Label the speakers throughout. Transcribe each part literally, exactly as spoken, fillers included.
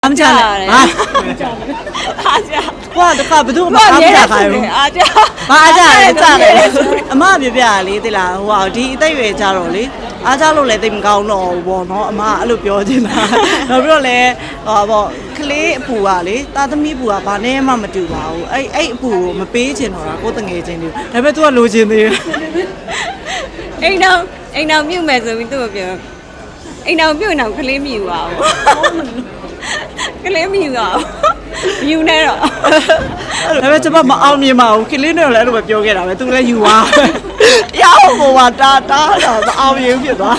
Speaker 1: အားမချနဲ့ဟာ
Speaker 2: အားကြ
Speaker 1: ကွာတခါဘယ်သူမှအားမချခိုင်းဘူး
Speaker 2: အားကြ
Speaker 1: ဟာအားကြတယ်ကြတယ်အမပြပြလေးသိလားဟိုဟာဒီအသက်ရွယ်ကြတော့လေအားကြလို့လည်းသိမကောင်းတော့ဘူးပေါ့နော်အမအဲ့လိုပြောချင်တာနောက်ပြီးတော့လည်းဟောပေါ့ကလေးအပူကလေတာသမီးပူကဘာနဲ့မှမတူပါဘူးအဲ့အဲ့အပူကိုမပေးချင်တော့တာကိုတငယ်ချင်းတွေဒါပေမဲ့ तू ကလိုချင်သေးတယ်
Speaker 2: အိမ်တော်အိမ်တော်မြုပ်မယ်ဆိုပြီးသူ့ကိုပြောအိမ်တော်မြုပ်နေတော့ကလေးမြူပါဘူးကလေးမြူပါဘူးမြူနေတော့
Speaker 1: ဒါပေမဲ့ကျွန်မမအောင်မြင်ပါဘူးကလေးနဲ့လည်းအဲ့လိုပဲပြောခဲ့တာပဲ तू လည်းယူသွားရအောင်ပေါ်ပါတာတာတော့မအောင်မြင်ဖြစ်သွား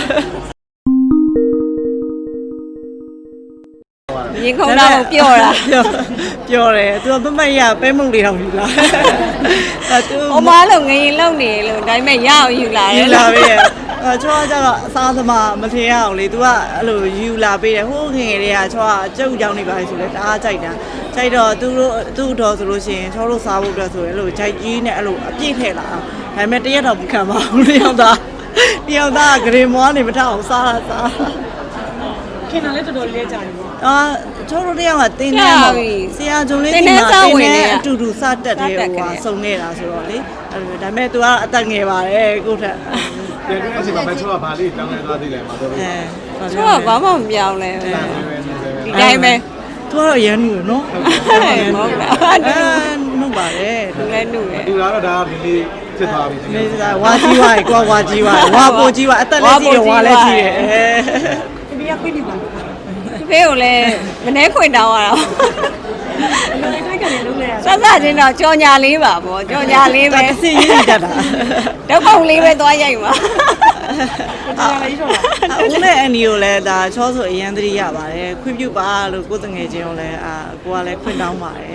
Speaker 2: ရင်ခုန်တော့ပျော့တာ
Speaker 1: ပျော့တယ် तू မမရပဲမုံလေးတောင်ယူလာအဲ तू
Speaker 2: အမလုံးငရင်လုံနေလို့ဒါပေမဲ့ရအောင်ယူလာတယ်
Speaker 1: ယူလာပေးရအဲချောကျတော့အစားသမားမထင်ရအောင်လေ तू ကအဲ့လိုယူလာပေးတယ်ဟိုးခင်တွေကချောကကြုတ်ကြောင်နေပါလေဆိုလဲတအားကြိုက်တာကြိုက်တော့သူတို့သူ့တော်ဆိုလို့ရှိရင်ချောတို့စားဖို့အတွက်ဆိုရင်အဲ့လိုကြိုက်ကြီးနဲ့အဲ့လိုအပြည့်ထည့်လာအောင်ဒါပေမဲ့တရက်တော့မခံပါဘူးတယောက်သားတယောက်သားဂရေမောနေမထအောင်စားတာစား
Speaker 3: ခင်ဗျာလည်းတော်တော်လေးကြာပြီပေါ့
Speaker 1: အာချောတို့တယောက်ကတင်းနေမှာဆရာဂျုံလေးဒီမှာတင်းနေအတူတူစတက်တယ်ဟိုဟာစုံနေတာဆိုတော့လေအဲ့လိုဒါပေမဲ့ तू ကအသက်ငယ်ပါတယ်ကိုထက်
Speaker 4: ပြန်ပြီးအချိန်မှာပဲချောကဘာလေးတောင်းနေသွားသေးတယ်မှာတော့
Speaker 1: အဲ
Speaker 2: ချောကဘာမှမပြောင်းလဲဒီတိုင်းပဲ
Speaker 1: သူကတော့ရန်နူနော်
Speaker 2: ဟုတ်တယ်မဟုတ်လား
Speaker 1: အဲနုပါတယ်
Speaker 2: သူလည်းနုတယ်
Speaker 4: သူကတော့ဒါဒီလေးဖြစ်သွားပြီ
Speaker 1: နေစားဝါကြီးဝါကွာဝါကြီးဝါဝါပိုကြီးဝါအသက်လည်းကြီးတယ်ဝါလည်းကြီးတယ်
Speaker 3: အဲဒီကခွင့်နေပါဘူး
Speaker 2: ဖေးကိုလည်းမနှဲခွင်တောင်းရတာ
Speaker 3: လည်းတိုက်ကန်နေလုံးလဲရ
Speaker 2: ဆက်ဆက်ချင်းတော့ကြော်ညာလေးပါဗောကြော်ညာလေးပဲ
Speaker 1: အစီရင်းတတ်တာ
Speaker 2: ဓာတ်ပုံလေးပဲသွားရိုက်မှာ
Speaker 3: ဒါလည်းတော့
Speaker 1: ဦးနဲ့အန်ဒီကိုလည်းဒါချောဆိုအရန်သတိရပါတယ်ခွင့်ပြုပါလို့ကိုယ်တငယ်ချင်းကိုလည်းအာကိုကလည်းခွင့်တောင်းပါတယ်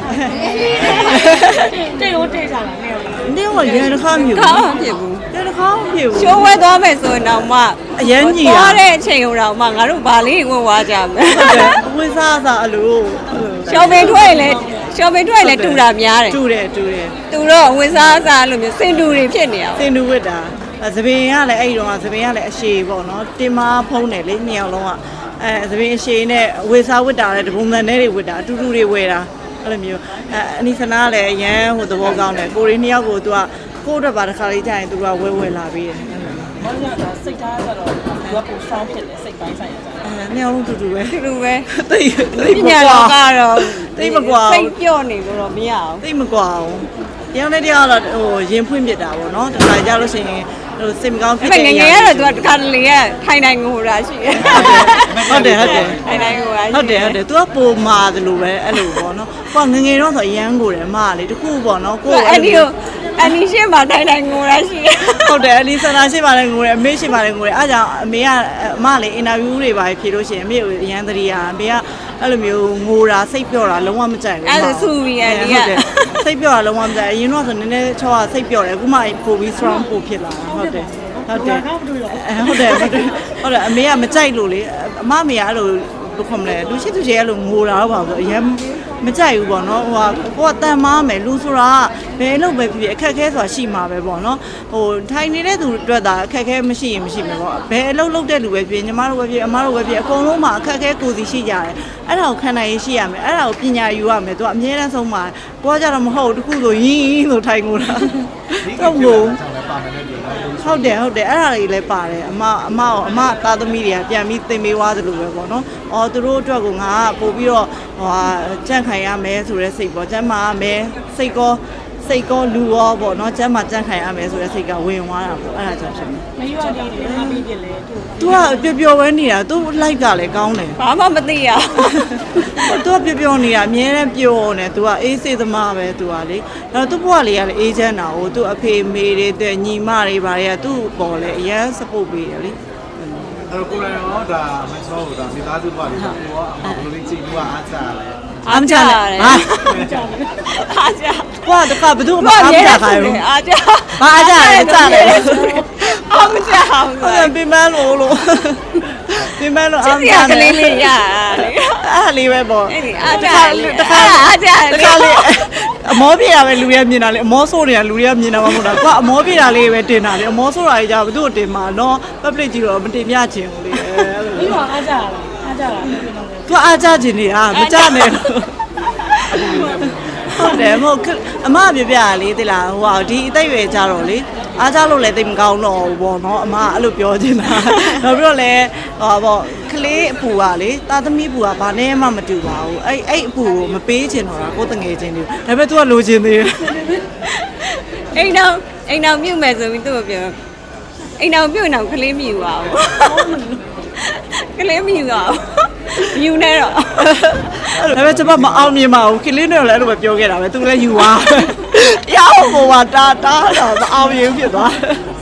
Speaker 3: တဲ့ရောတဲ့ကြလားနဲ့ရော
Speaker 1: တင်းကရန်တစ်ခါမြူ
Speaker 2: ကောင်းဖြစ်ဘူး
Speaker 1: ရန်တစ်ခါမြူ
Speaker 2: ရှိုးဝဲသွားမယ်ဆိုရင်တော့မှ
Speaker 1: အရန်ကြီးရ
Speaker 2: သွားတဲ့အချိန်တော့မှငါတို့ဗာလေးဝင်သွားကြမယ်
Speaker 1: ဟုတ်တယ်အဝိစားစားအလို
Speaker 2: ရှော်ပင်ထွက်လေရှော်ပင်ထွက်လေတူတာများတယ်
Speaker 1: တူတယ်တူတယ်
Speaker 2: တူတော့အဝိစားစားလို့မျိုးစင်တူတွေဖြစ်နေအောင်
Speaker 1: စင်တူဝစ်တာသပင်ကလည်းအဲ့ဒီတော့သပင်ကလည်းအရှည်ပေါ့နော်တင်မာဖုံးတယ်လေနှစ်ယောက်လုံးကအဲသပင်အရှည်နဲ့ဝေစားဝစ်တာလည်းတပုံစံနဲ့တွေဝစ်တာအတူတူတွေဝယ်တာအဲ့လိုမျိုးအဲအနီစနာလည်းအရန်ဟိုသဘောကောင်းတယ်ကိုရီနှစ်ယောက်ကိုသူကကိုယ့်အတွက်ပါတစ်ခါလေးကြာရင်သူကဝဲဝဲလာပြီးတယ်
Speaker 3: ဘာလို့လဲစိတ်ထားကြတော့သူကပုံရှောင်းဖြစ်တယ်စိတ်ပိုင်းဆိုင်ရကြ
Speaker 1: အဲနှစ်ယောက်လုံးတူတူပဲ
Speaker 2: တူတူပဲ
Speaker 1: တိတ်တိတ်
Speaker 2: ပညာလောကတော့
Speaker 1: တိတ်မကွာ
Speaker 2: စိတ်ပြော့နေလို့တော့မရအောင်
Speaker 1: တိတ်မကွာအောင်တယောက်နဲ့တယောက်တော့ဟိုရင်ဖွင့်ပြတာပေါ့နော်တခါကြလို့ရှိရင်ဟိုစိတ်မကောင်းဖြစ်
Speaker 2: တယ်ငငယ်ရတော့ तू တခါတလေကထိုင်နိုင်ငိုတာရှိတယ်
Speaker 1: ဟုတ်တယ်ဟုတ်တယ်
Speaker 2: ထိုင်နိုင်ငိုတာ
Speaker 1: ဟုတ်တယ်ဟုတ်တယ် तू ကပိုမာတယ်လို့ပဲအဲ့လိုပေါ့နော်ကိုကငငယ်တော့ဆိုအရန်ကိုတယ်အမကလေတခုပေါ့နော်ကို
Speaker 2: အဲ့ဒီကိုအနီရှင်းမှာထိုင်နိုင်ငိုတာရှိတယ်
Speaker 1: ဟုတ်တယ်အနီဆန္ဒရှိပါလေငိုတယ်အမေရှိပါလေငိုတယ်အားကြောင့်အမေကအမလေအင်တာဗျူးတွေပါဖြေလို့ရှိရင်အမေကိုအရန်သတိရအမေကအဲ့လိုမျိုးငိုတာစိတ်ပြော့တာလုံးဝမကြိုက်ဘူး
Speaker 2: အဲ့ဒါဆူပြီးအနီက
Speaker 1: စိတ်ပြော့တာလုံးဝမကြိုက်အရင်တော့ဆိုနည်းနည်းချောကစိတ်ပြော့တယ်အခုမှပိုပြီး strong ပိုဖြစ်လာတာဟုတ်တယ်ဟုတ်တယ်ဟုတ်တယ်ဟုတ်တယ်ဟုတ်တယ်အမေကမကြိုက်လို့လေအမမေကအဲ့လိုဘယ်ခေါမလဲလူရှိသူချေအဲ့လိုငိုတာတော့ပါဆိုအရင်မကြိုက်ဘူးပေါ့နော်ဟိုကကိုကတန်မားမယ်လူဆိုတာဘယ်လို့ပဲဖြစ်ဖြစ်အခက်ခဲဆိုတာရှိမှာပဲပေါ့နော်ဟိုထိုင်နေတဲ့သူအတွက်သာအခက်ခဲမရှိရင်မရှိမှာပေါ့ဘယ်အလုပ်လုပ်တဲ့လူပဲဖြစ်ညီမတို့ပဲဖြစ်အမတို့ပဲဖြစ်အကုန်လုံးမှာအခက်ခဲကိုယ်စီရှိကြတယ်အဲ့ဒါကိုခံနိုင်ရရှိရမယ်အဲ့ဒါကိုပညာယူရမယ်သူကအမြဲတမ်းဆုံးမှာကိုကကြတော့မဟုတ်တခုဆိုရင်းဆိုထိုင်ငိုတာတော့ငိုဟုတ်တယ်ဟုတ်တယ်အဲ့ဒါတွေလည်းပါတယ်အမအမရောအမသားသမီးတွေကပြန်ပြီးသင်ပေးသွားသလိုပဲပေါ့နော်အော်သူတို့အတွက်ကိုငါကပို့ပြီးတော့ဟိုဟာကြန့်ခိုင်ရမယ်ဆိုတဲ့စိတ်ပေါ့ကျမ်းမာရမယ်စိတ်ကောစိတ်ကောလူရောပေါ့နော်ကျမ်းမာကြန့်ခိုင်ရမယ်ဆိုတဲ့စိတ်ကဝင်သွားတာပေါ့အဲ့ဒါကြောင့်ဖြစ်နေ
Speaker 3: မရွာလေးတွေအားပေးပြလဲသူ
Speaker 1: သူကပျော်ပျော်ပဲနေတာသူ like ကလည်းကောင်းတယ်
Speaker 2: ဘာမှမသိရ
Speaker 1: သူကပျော်ပျော်နေတာအမြဲတမ်းပျော်နေသူကအေးစေးသမားပဲသူကလေအဲ့တော့သူ့ဘဝလေးကလည်းအေးချမ်းတာကိုသူအဖေမေတွေတဲ့ညီမတွေဘာတွေကသူ့ပေါ်လဲအရန် support ပေးတယ်လေ
Speaker 4: အဲ့တော့ကိုယ်လည်းတော့ဒါမချောဘူးဒါမိသားစုပါလေကိုကအမဘလို့လေးကြည့်လို့အားစားလဲ
Speaker 1: အားမချနဲ့ဟာ
Speaker 2: အားကြ
Speaker 1: ကွာတခါဘယ်သူမှအားမချခိုင်းဘူး
Speaker 2: အားကြ
Speaker 1: ဘာအားကြလဲကြတယ်
Speaker 2: အားမချအောင်
Speaker 1: ဟုတ်ပြမလို့လို့ပြမလို့အားမချ
Speaker 2: ကလေးလေးရလေ
Speaker 1: အားလေးပဲပေါ့
Speaker 2: အားကြတခါအားကြ
Speaker 1: တခါလေးအမောပြေတာပဲလူတွေကမြင်တာလေအမောဆိုးတွေကလူတွေကမြင်တာမဟုတ်တာကွာအမောပြေတာလေးပဲတင်တာလေအမောဆိုးတာကြီးကြဘယ်သူ့ကိုတင်မှာနော် public ကြီးတော့မတင်ပြချင်ဘူးလေ
Speaker 3: ပြီးတော့အားကြလားအားကြလား
Speaker 1: သူအားကြခြင်းနေတာမကြနဲ့လို့ဟုတ်တယ်မဟုတ်အမပြပြလေတိလားဟိုဟာဒီအသက်ရွယ်ကြတော့လေအားကြလို့လည်းတိတ်မကောင်းတော့ဘူးပေါ့နော်အမအဲ့လိုပြောချင်တာနောက်ပြီးတော့လည်းဟောပေါ့ကလေးအပူကလေတာသမီးအပူကဘာနဲ့မှမတူပါဘူးအဲ့အဲ့အပူကိုမပေးချင်တော့တာကိုတငယ်ချင်းတွေဒါပေမဲ့ तू ကလိုချင်သေးတယ်
Speaker 2: အိမ်တော်အိမ်တော်မြုပ်မယ်ဆိုပြီးသူ့ကိုပြောအိမ်တော်မြုပ်နေအောင်ကလေးမြူပါဦးကလေးမြူပါဦးမြူနေတော့
Speaker 1: ဒါပေမဲ့ကျွန်မမအောင်မြင်ပါဘူးခင်လေးနဲ့လည်းအဲ့လိုပဲပြောခဲ့တာပဲ तू လည်းယူသွားတရားဟိုမှာတာတာတော့မအောင်မြင်ဖြစ်သွား